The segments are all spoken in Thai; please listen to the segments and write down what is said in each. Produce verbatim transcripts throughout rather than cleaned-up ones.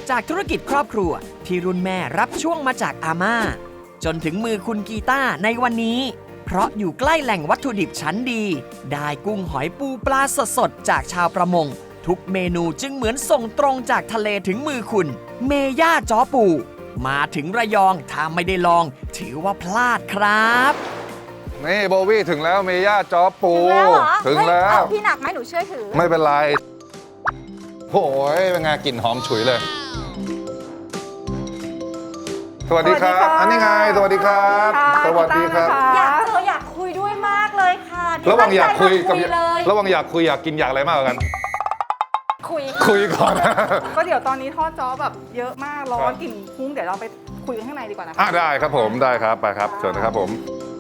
จากธุรกิจครอบครัวที่รุ่นแม่รับช่วงมาจากอาม่าจนถึงมือคุณกีต้าในวันนี้เพราะอยู่ใกล้แหล่งวัตถุดิบชั้นดีได้กุ้งหอยปูปลาสดๆจากชาวประมงทุกเมนูจึงเหมือนส่งตรงจากทะเลถึงมือคุณเมย่าจ้อปูมาถึงระยองถ้าไม่ได้ลองถือว่าพลาดครับนี่โบวี่ถึงแล้วเมย่าจ้อปูถึงแล้วเหรอถึงแล้วเฮ้ยเอาพี่หนักไหมหนูช่วยถือไม่เป็นไรโอ้ยเป็นไงกลิ่นหอมฉุยเลยสวัสดีครับอันนี้ไงสวัสดีครับสวัสดีครับอยากเจออยากคุยด้วยมากเลยค่ะระหว่างอยากคุยกับเลยระหว่างอยากคุยอยากกินอยากอะไรมากกว่ากันคุยคุยก่อนก็เดี๋ยวตอนนี้ทอดจ้อแบบเยอะมากร้อนกลิ่นพุ่งเดี๋ยวเราไปคุยกันข้างในดีกว่านะคะอ่ะได้ครับผมได้ครับไปครับเชิญนะครับผม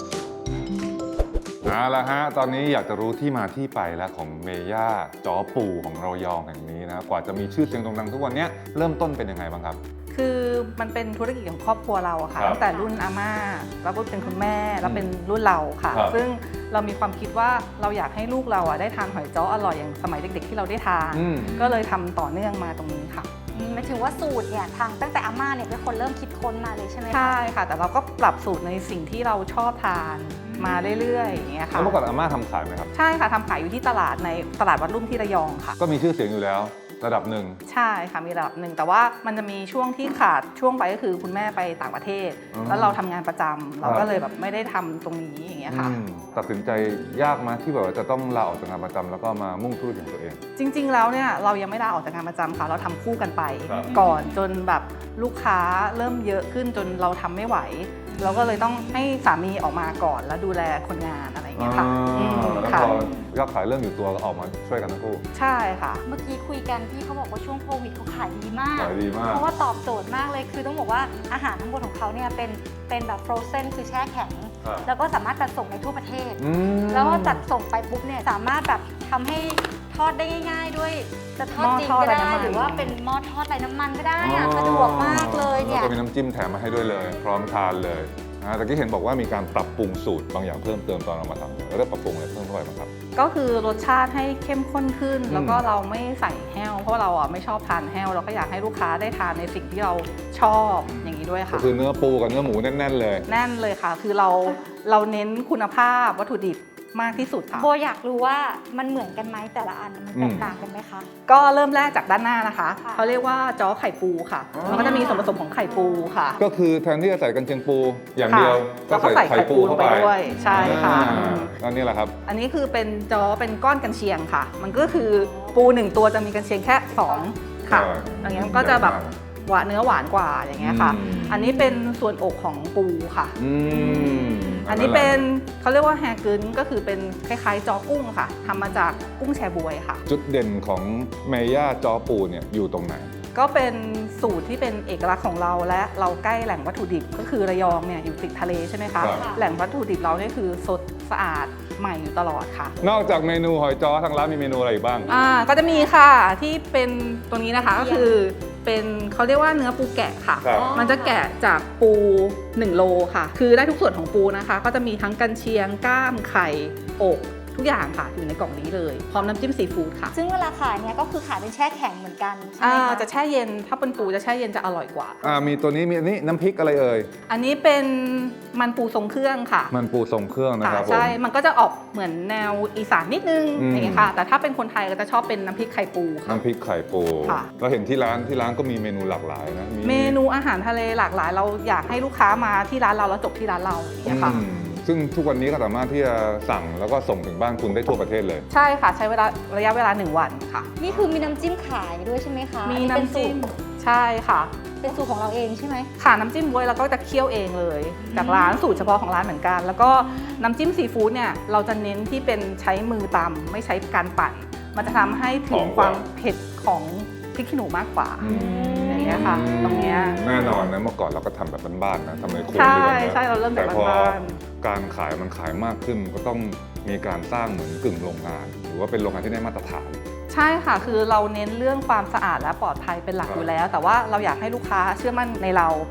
เอาละฮะตอนนี้อยากจะรู้ที่มาที่ไปแล้วของเมย่าจ้อปูของระยองแห่งนี้นะกว่าจะมีชื่อเสียงโด่งดังทุกวันนี้เริ่มต้นเป็นยังไงบ้างครับคือมันเป็นธุรกิจของครอบครัวเราอะค่ะตั้งแต่รุ่นอาม่าแล้วก็เป็นคุณแม่แล้วเป็นรุ่นเราค่ะซึ่งเรามีความคิดว่าเราอยากให้ลูกเราอะได้ทานหอยจ้ออร่อยอย่างสมัยเด็กๆที่เราได้ทานก็เลยทำต่อเนื่องมาตรงนี้ค่ะหมายถึงว่าสูตรเนี่ยทางตั้งแต่อาม่าเนี่ยเป็นคนเริ่มคิดค้นมาเลยใช่ไหมคะใช่ค่ะแต่เราก็ปรับสูตรในสิ่งที่เราชอบทานมาเรื่อยๆอย่างเงี้ยค่ะแล้วเมื่อก่อนอาม่าทำขายไหมครับใช่ค่ะทำขายอยู่ที่ตลาดในตลาดวัดรุ่มที่ระยองค่ะก็มีชื่อเสียงอยู่แล้วระดับหนึ่งใช่ค่ะมีระดับหนึ่งแต่ว่ามันจะมีช่วงที่ขาดช่วงไปก็คือคุณแม่ไปต่างประเทศแล้วเราทำงานประจำเราก็เลยแบบไม่ได้ทำตรงนี้อย่างเงี้ยค่ะตัดสินใจยากไหมที่แบบว่าจะต้องลาออกจากงานประจำแล้วก็มามุ่งธุรกิจของตัวเองจริงๆแล้วเนี่ยเรายังไม่ลาออกจากงานประจำค่ะเราทำคู่กันไปก่อนจนแบบลูกค้าเริ่มเยอะขึ้นจนเราทำไม่ไหวเราก็เลยต้องให้สามีออกมาก่อนแล้วดูแลคนงานอะไรอย่างเงี้ยค่ะแล้วพอยอดขายเริ่มอยู่ตัวก็ออกมาช่วยกันทั้งคู่ใช่ค่ะเมื่อกี้คุยกันพี่เขาบอกว่าช่วงโควิดเขาขายดีมากขายดีมากเพราะว่าตอบโจทย์มากเลยคือต้องบอกว่าอาหารทั้งหมดของเขาเนี่ยเป็นเป็นแบบ frozen คือแช่แข็งแล้วก็สามารถจัดส่งในทั่วประเทศแล้วจัดส่งไปปุ๊บเนี่ยสามารถแบบทำให้ทอดได้ง่ายๆด้วยจะทอดจริงก็ได้หรือว่าเป็นหม้อทอดไร้น้ำมันก็ได้อะสะดวกมากเลยเนี่ยแล้วก็มีน้ำจิ้มแถมมาให้ด้วยเลยพร้อมทานเลยนะแต่ที่เห็นบอกว่ามีการปรับปรุงสูตรบางอย่างเพิ่มเติมตอนเรามาทำแล้วได้ปรับปรุงอะไรเพิ่มเข้าไปบ้างครับก็คือรสชาติให้เข้มข้นขึ้นแล้วก็เราไม่ใส่แห้วเพราะเราอ่ะไม่ชอบทานแห้วเราก็อยากให้ลูกค้าได้ทานในสิ่งที่เราชอบอย่างนี้ด้วยค่ะก็คือเนื้อปูกับเนื้อหมูแน่นๆเลยแน่นเลยค่ะคือเราเราเน้นคุณภาพวัตถุดิบมากที่สุดค่ะโบอยากรู้ว่ามันเหมือนกันไหมแต่ละอันมันแตกต่างกันไหมคะก็เริ่มแรกจากด้านหน้านะคะเขาเรียกว่าจ้อไข่ปูค่ะมันก็จะมีส่วนผสมของไข่ปูค่ะก็คือแทนที่จะใส่กันเชียงปูอย่างเดียวก็ใส่ไข่ปูเข้าไปด้วยใช่ค่ะอันนี้แหละครับอันนี้คือเป็นจ้อเป็นก้อนกันเชียงค่ะมันก็คือปูหนึ่งตัวจะมีกันเชียงแค่สองค่ะอย่างเงี้ยก็จะแบบหวานเนื้อหวานกว่าอย่างเงี้ยค่ะอันนี้เป็นส่วนอกของปูค่ะอันนี้เป็นเขาเรียกว่าแฮกึนก็คือเป็นคล้ายๆจอกุ้งค่ะทำมาจากกุ้งแชบวยค่ะจุดเด่นของเมย่าจอปูเนี่ยอยู่ตรงไหนก็เป็นสูตรที่เป็นเอกลักษณ์ของเราและเราใกล้แหล่งวัตถุดิบก็คือระยองเนี่ยอยู่ติดทะเลใช่ไหมคะแหล่งวัตถุดิบเราเนี่ยคือสดสะอาดใหม่อยู่ตลอดค่ะนอกจากเมนูหอยจ้อทางร้านมีเมนูอะไรอีกบ้างอ่าก็จะมีค่ะที่เป็นตัวนี้นะคะก็คือเป็นเขาเรียกว่าเนื้อปูแกะค่ะมันจะแกะจากปูหนึ่งโลค่ะคือได้ทุกส่วนของปูนะคะก็จะมีทั้งกันเชียงก้ามไข่อกทุกอย่างค่ะอยู่ในกล่องนี้เลยพร้อมน้ำจิ้มซีฟู้ดค่ะซึ่งเวลาขายเนี่ยก็คือขายเป็นแช่แข็งเหมือนกันใช่ไหมคะจะแช่เย็นถ้าเป็นปูจะแช่เย็นจะอร่อยกว่าอ่ามีตัวนี้มีอันนี้น้ำพริกอะไรเอ่ยอันนี้เป็นมันปูทรงเครื่องค่ะมันปูทรงเครื่องนะครับใช่มันก็จะออกเหมือนแนวอีสานนิดนึงอย่างนี้ค่ะแต่ถ้าเป็นคนไทยก็จะชอบเป็นน้ำพริกไข่ปูค่ะน้ำพริกไข่ปูเราเห็นที่ร้านที่ร้านก็มีเมนูหลากหลายนะเมนูอาหารทะเลหลากหลายเราอยากให้ลูกค้ามาที่ร้านเราแล้วจบที่ร้านเราอย่างนี้ค่ะซึ่งทุกวันนี้ก็สามารถที่จะสั่งแล้วก็ส่งถึงบ้านคุณได้ทั่วประเทศเลยใช่ค่ะใช้เวลาระยะเวลาหนึ่งวันค่ะนี่คือมีน้ำจิ้มขายด้วยใช่ไหมคะมีน้ำจิ้มใช่ค่ะเป็นสูตรของเราเองใช่ไหมค่ะน้ำจิ้มบ๊วยเราก็จะเคี่ยวเองเลยจากร้านสูตรเฉพาะของร้านเหมือนกันแล้วก็น้ำจิ้มซีฟู้ดเนี่ยเราจะเน้นที่เป็นใช้มือตำไม่ใช้การปั่นมันจะทำให้ถึงความเผ็ดของพริกขี้หนูมากกว่าอย่างเงี้ยค่ะตรงเนี้ยแน่นอนนะเมื่อก่อนเราก็ทำแบบบ้านๆนะทำในครัวใช่ใช่เราเริ่มแบบบ้านๆการขายมันขายมากขึ้นก็ต้องมีการสร้างเหมือนกึ่งโรงงานหรือว่าเป็นโรงงานที่ได้มาตรฐานใช่ค่ะคือเราเน้นเรื่องความสะอาดและปลอดภัยเป็นหลักอยู่แล้วแต่ว่าเราอยากให้ลูกค้าเชื่อมั่นในเรา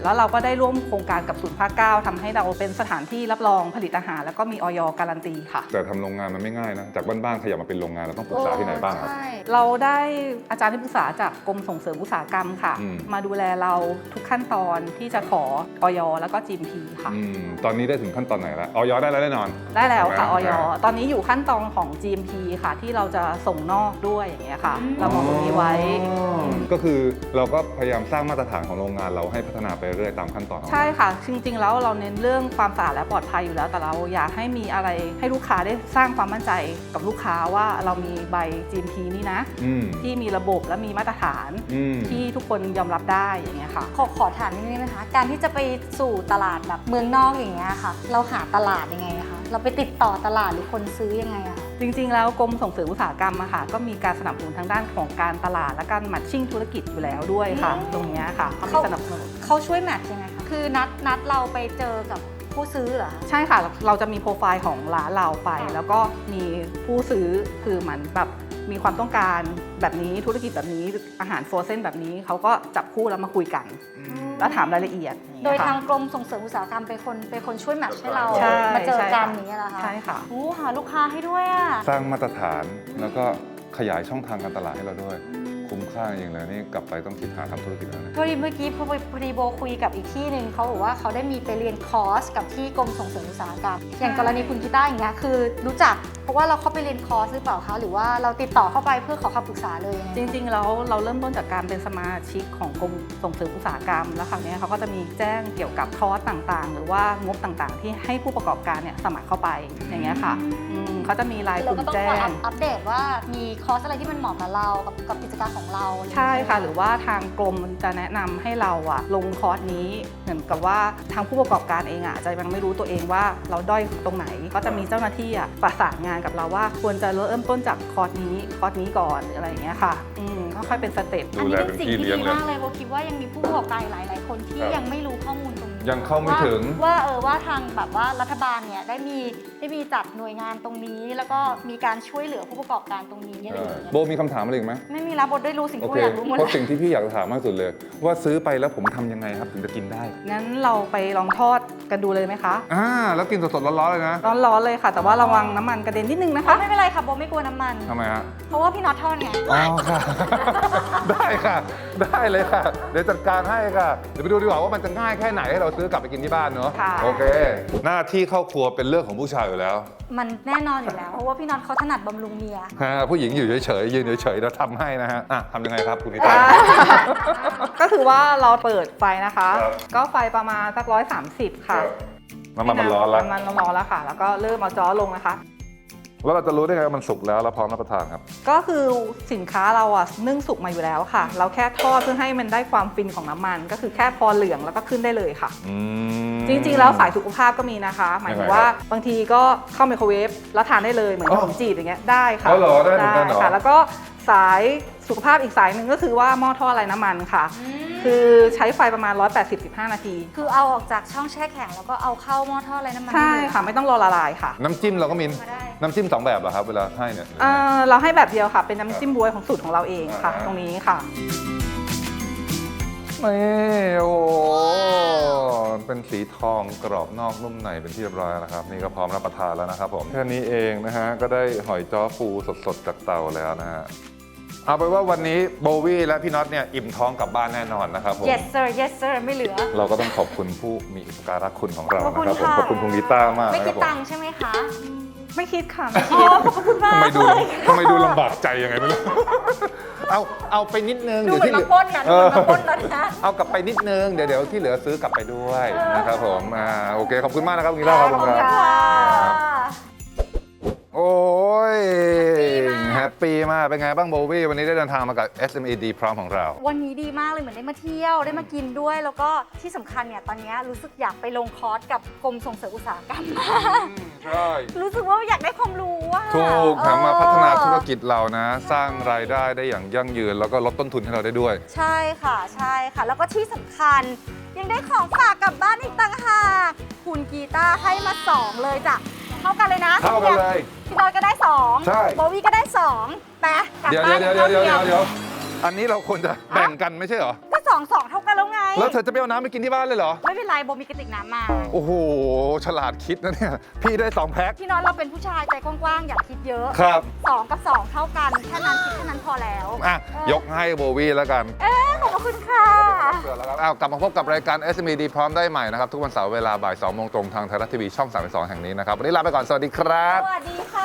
แล้วเราก็ได้ร่วมโครงการกับศูนย์ภาคเก้าทำให้เราเป็นสถานที่รับรองผลิตอาหารแล้วก็มีอย.การันตีค่ะแต่ทำโรงงานมันไม่ง่ายนะจากบ้านๆขยับมาเป็นโรงงานเราต้องปรึกษาที่ไหนบ้างครับใช่เราได้อาจารย์ที่ปรึกษาจากกรมส่งเสริมอุตสาหกรรมค่ะอืมมาดูแลเราทุกขั้นตอนที่จะขออย.แล้วก็ จี เอ็ม พี ค่ะอืมตอนนี้ได้ถึงขั้นตอนไหนแล้วออยได้แล้วแน่นอนได้แล้วค่ะอใช่อยไหมตอนนี้อยู่ขั้นตอนของ จี เอ็ม พี ค่ะ ที่เราจะส่งนอกด้วยอย่างเงี้ยค่ะอืมเรามองตรงนี้ไว้ก็คือเราก็พยายามสร้างมาตรฐานของโรงงานเราให้พัฒนาไปเรื่อยตามขั้นตอนของใช่ค่ะ จริงๆ แล้วเราเน้นเรื่องความสะอาดและปลอดภัยอยู่แล้ว แต่เราอยากให้มีอะไรให้ลูกค้าได้สร้างความมั่นใจกับลูกค้าว่าเรามีใบ จี เอ็ม พี นี่นะอืมที่มีระบบและมีมาตรฐานอืมที่ทุกคนยอมรับได้อย่างเงี้ยค่ะขอขอถามนิดนึงนะคะ การที่จะไปสู่ตลาดแบบเมืองนอกอย่างเงี้ยค่ะ เราหาตลาดยังไงอะคะเราไปติดต่อตลาดหรือคนซื้อยังไงอะคะจริงๆ แล้วกรมส่งเสริมอุตสาหกรรมอะค่ะก็มีการสนับสนุนทางด้านของการตลาดและการมัทชิ่งธุรกิจอยู่แล้วด้วยค่ะอืมตรงเนี้ยค่ะเขามีเขาสนับสนุนเขาช่วยแมทช์ยังไงคะ คือนัดนัดเราไปเจอกับผู้ซื้อเหรอคะใช่ค่ะ เราจะมีโปรไฟล์ของร้านเราไป แล้วก็มีผู้ซื้อคือเหมือนแบบมีความต้องการแบบนี้ธุรกิจแบบนี้อาหารโฟรเซนแบบนี้เขาก็จับคู่แล้วมาคุยกัน แล้วถามรายละเอียดอางโดเงี้ยค่ะทางกรมส่งเสริมอุตสาหกรรมเป็นคนเป็นคนช่วยแมทช์ให้เราใช่มาเจอกันใช่ค่ะอย่างเงี้ยเหรอคะใช่ค่ะโอ้หาลูกค้าให้ด้วยอะสร้างมาตรฐานแล้วก็ขยายช่องทางการตลาดให้เราด้วย คุ้มค่าจริงๆเลยนี่กลับไปต้องคิดหาทำธุรกิจแล้วนะพอดีเมื่อกี้พอพอดีโบคุยกับอีกที่หนึ่งเขาบอกว่าเขาได้มีไปเรียนคอร์สกับที่กรมส่งเสริมอุตสาหกรรม อย่างกรณีคุณกีต้าอย่างเงี้ยคือรู้จักเพราะว่าเราเข้าไปเรียนคอร์สหรือเปล่าคะหรือว่าเราติดต่อเข้าไปเพื่อขอคำปรึกษาเลยยังไงจริงๆแล้วเราเริ่มต้นจากการเป็นสมาชิกของกรมส่งเสริมอุตสาหกรรม แล้วคราวนี้เขาก็จะมีแจ้งเกี่ยวกับคอร์สต่างๆ หรือว่างบต่างๆ ที่ให้ผู้ประกอบการเนี่ยสมัครเข้าไปอย่างเงี้ยค่ะอืมเขาจะมีรายกเราลุ่มก็ต้องแจ้คอยงอัปอัปเดตว่ามีคอร์สอะไรที่มันเหมาะกับเรากับกับกิจการของเราใช่ค่ะ หรือว่าทางกรมจะแนะนำให้เราอะลงคอร์สนี้เหมือนกับว่าทางผู้ประกอบการเองอะจะยังไม่รู้ตัวเองว่าเราด้อยตรงไหน ก็จะมีเจ้าหน้าที่อะประสานงานกับเราว่าควรจะเริ่มต้นจากคอร์สนี้คอร์สนี้ก่อนหรืออะไรอย่างเงี้ยค่ะอืมค่อยๆเป็นสเต็ปอันนี้เป็นสิ่งที่ดีมากเลยโบคิดว่ายังมีผู้ประกอบการหลายๆคนที่ครับยังไม่รู้ข้อมูลตรงนี้ยังเข้าไม่ถึงว่าว่าเออว่าทางแบบว่ารัฐบาลเนี่ยได้มีได้มีจัดหน่วยงานตรงนี้ แล้วก็มีการช่วยเหลือผู้ประกอบการตรงนี้อะไรอย่างเงี้ยโบมีคำถามอะไรอีกไหมไม่มีแล้วบทได้รู้สิ่งโอที่เคอยากรู้หมดเพราะเลยสิ่งที่พี่อยากถามมากสุดเลย ว่าซื้อไปแล้วผมทำยังไงครับถึงจะกินได้งั้นเราไปลองทอดกันดูเลยไหมคะอ่าแล้วกินสดๆร้อนๆเลยนะร้อนๆเลยค่ะ แต่ว่าระวังน้ำมันกระเด็นนิดนึงนะคะไม่เป็นไรค่ะโบไม่กลัวน้ำมันทำไมฮะเพราะว่าพี่น็อตทอดไงอ๋อค่ะ ได้ค่ะ ได้เลยค่ะ เดี๋ยวจัดการให้ค่ะ เดี๋ยวไปดูดีกว่าว่ามันจะง่ายแค่ไหนให้เราซื้อกลับไปกินที่บ้านเนอะค่ะโอเค หน้าที่เข้าครัวเป็นเรื่องของผู้ชายอยู่แล้วมันแน่นอนอยู่แล้ว เพราะว่าพี่น็อตเขาถนัดบำรุงเมียฮะผู้หญิงอยู่เฉยๆยืนเฉยๆแล้วทำให้นะฮะอ่ะทำยังไงครับคุณนิตาก็คือว่าเราเปิดไฟนะคะครับก็ไฟประมาณสักร้อยสามสิบค่ะน้ำมันมันร้อนแล้วน้ำมันร้อนแล้วค่ะ แล้วก็เริ่มเอาจ้อลงนะคะแล้วเราจะรู้ได้ไงว่ามันสุกแล้วแล้วพร้อมรับประทานครับก็คือสินค้าเราอะนึ่งสุกมาอยู่แล้วค่ะ เราแค่ทอดเพื่อให้มันได้ความฟินของน้ำมัน ก็คือแค่พอเหลืองแล้วก็ขึ้นได้เลยค่ะอืมจริงๆแล้วสายสุขภาพก็มีนะคะ หมายถึงว่าบางทีก็เข้าไมโครเวฟแล้วทานได้เลยเหมือนขนมจีบอย่างเงี้ยได้ค่ะอ๋อเหรอได้เหมือนกันเหรอค่ะ แล้วก็สายสุขภาพอีกสายหนึ่งก็คือว่าหม้อทอดไร้น้ำมันค่ะ คือใช้ไฟประมาณ หนึ่งร้อยแปดสิบ สิบห้า นาทีคือเอาออกจากช่องแช่แข็งแล้วก็เอาเข้าหม้อทอดอะไรน้ำมันใช่ได้เลยค่ะ ไม่ต้องรอละลายค่ะน้ำจิ้มเราก็มีมาได้น้ำจิ้มสองแบบเหรอครับเวลาให้เนี่ยเอ่อเราให้แบบเดียวค่ะ เป็นน้ำจิ้มบ๊วยของสูตรของเราเองค่ะอ่าตรงนี้ค่ะนี่โอ้โหเป็นสีทองกรอบนอกนุ่มในเป็นที่เรียบร้อยแล้วนะครับนี่ก็พร้อมรับประทานแล้วนะครับผมแค่นี้เองนะฮะก็ได้หอยจ้อปูสดๆจากเตาแล้วนะฮะเอาไปนว่าวันนี้โบวี่และพี่น็อตเนี่ยอิ่มท้องกลับบ้านแน่นอนนะครับผม yes sir yes sir ไม่เหลือเราก็ต้องขอบคุณผู้มีอุปการะคุณของเราขอบคุณนะครับผมค่ะขอบคุณคุณลิต้ามากไม่นะคคิรัดบผมตังค์ใช่ไหมคะไม่คิดค่ะอ๋อขอบคุณมากทำไมดูเลยทำไมดูลำบากใจยังไงไม่รู้ เอาเอาไปนิดนึงดูเหมือนที่เหมาลือปล้นนะดูเหมือนมาปล้นนะนะเอากลับไปนิดนึงเดี๋ยวเดี๋ยวที่เหลือซื้อกลับไปด้วยนะครับผมอ่าโอเคขอบคุณมากนะครับคุณลิต้าครับขอบคุณครับค่ะโอ้ยแฮแฮปปปี้ปี้มากมากเป็นไงบ้างโบวี่วันนี้ได้เดินทางมากับ เอส เอ็ม อี ดี พร้อมของเราวันนี้ดีมากเลยเหมือนได้มาเที่ยวได้มากินด้วย แล้วก็ที่สำคัญเนี่ยตอนนี้รู้สึกอยากไปลงคอร์สกับกรมส่งเสริมอุตสาหกรรมใช่รู้สึกว่าอยากได้ความรู้ว่าถูกทำมาพัฒนาธุรกิจเรานะ สร้างรายได้ได้อย่างยั่งยืน แล้วก็ลดต้นทุนให้เราได้ด้วยใช่ค่ะใช่ค่ะ แล้วก็ที่สำคัญยังได้ของฝากกลับบ้านอีกต่างหากคุณกีตาร์ให้มาสองเลยจ้ะเท่ากันเลยนะเท่ากันเลยพี่บอยก็ได้สองใช่โบวี่ก็ได้สองไปกลับเดี๋ยวบ้านเดี๋ยวเดี๋ยวเดี๋ยวท่าเดี๋ยวเดี๋ยวอันนี้เราควรจะแบ่งกันไม่ใช่เหรอก็สองสองเท่ากันแล้วไงแล้วเธอจะไปเอาน้ำไปกินที่บ้านเลยเหรอไม่เป็นไรโบมีกระติกน้ำมาโอ้โห ฉลาดคิดนะเนี่ย พี่ได้สองแพ็คพี่น้องเราเป็นผู้ชายใจกว้างๆ อย่าคิดเยอะครับสองกับสองเท่ากัน แค่นั้นคิดแค่นั้นพอแล้วอ่ะ ยกให้โบวี่แล้วกันเอ๊ะขอบคุณค่ะอ้าวกลับมาพบกับรายการ เอส เอ็ม อี ดี พร้อมได้ใหม่นะครับ ทุกวันเสาร์เวลาบ่ายสองโมงตรงทางไทยรัฐทีวีช่องสามสิบสองแห่งนี้นะครับ วันนี้ลาไปก่อน สวัสดีครับสวัสดีค่ะ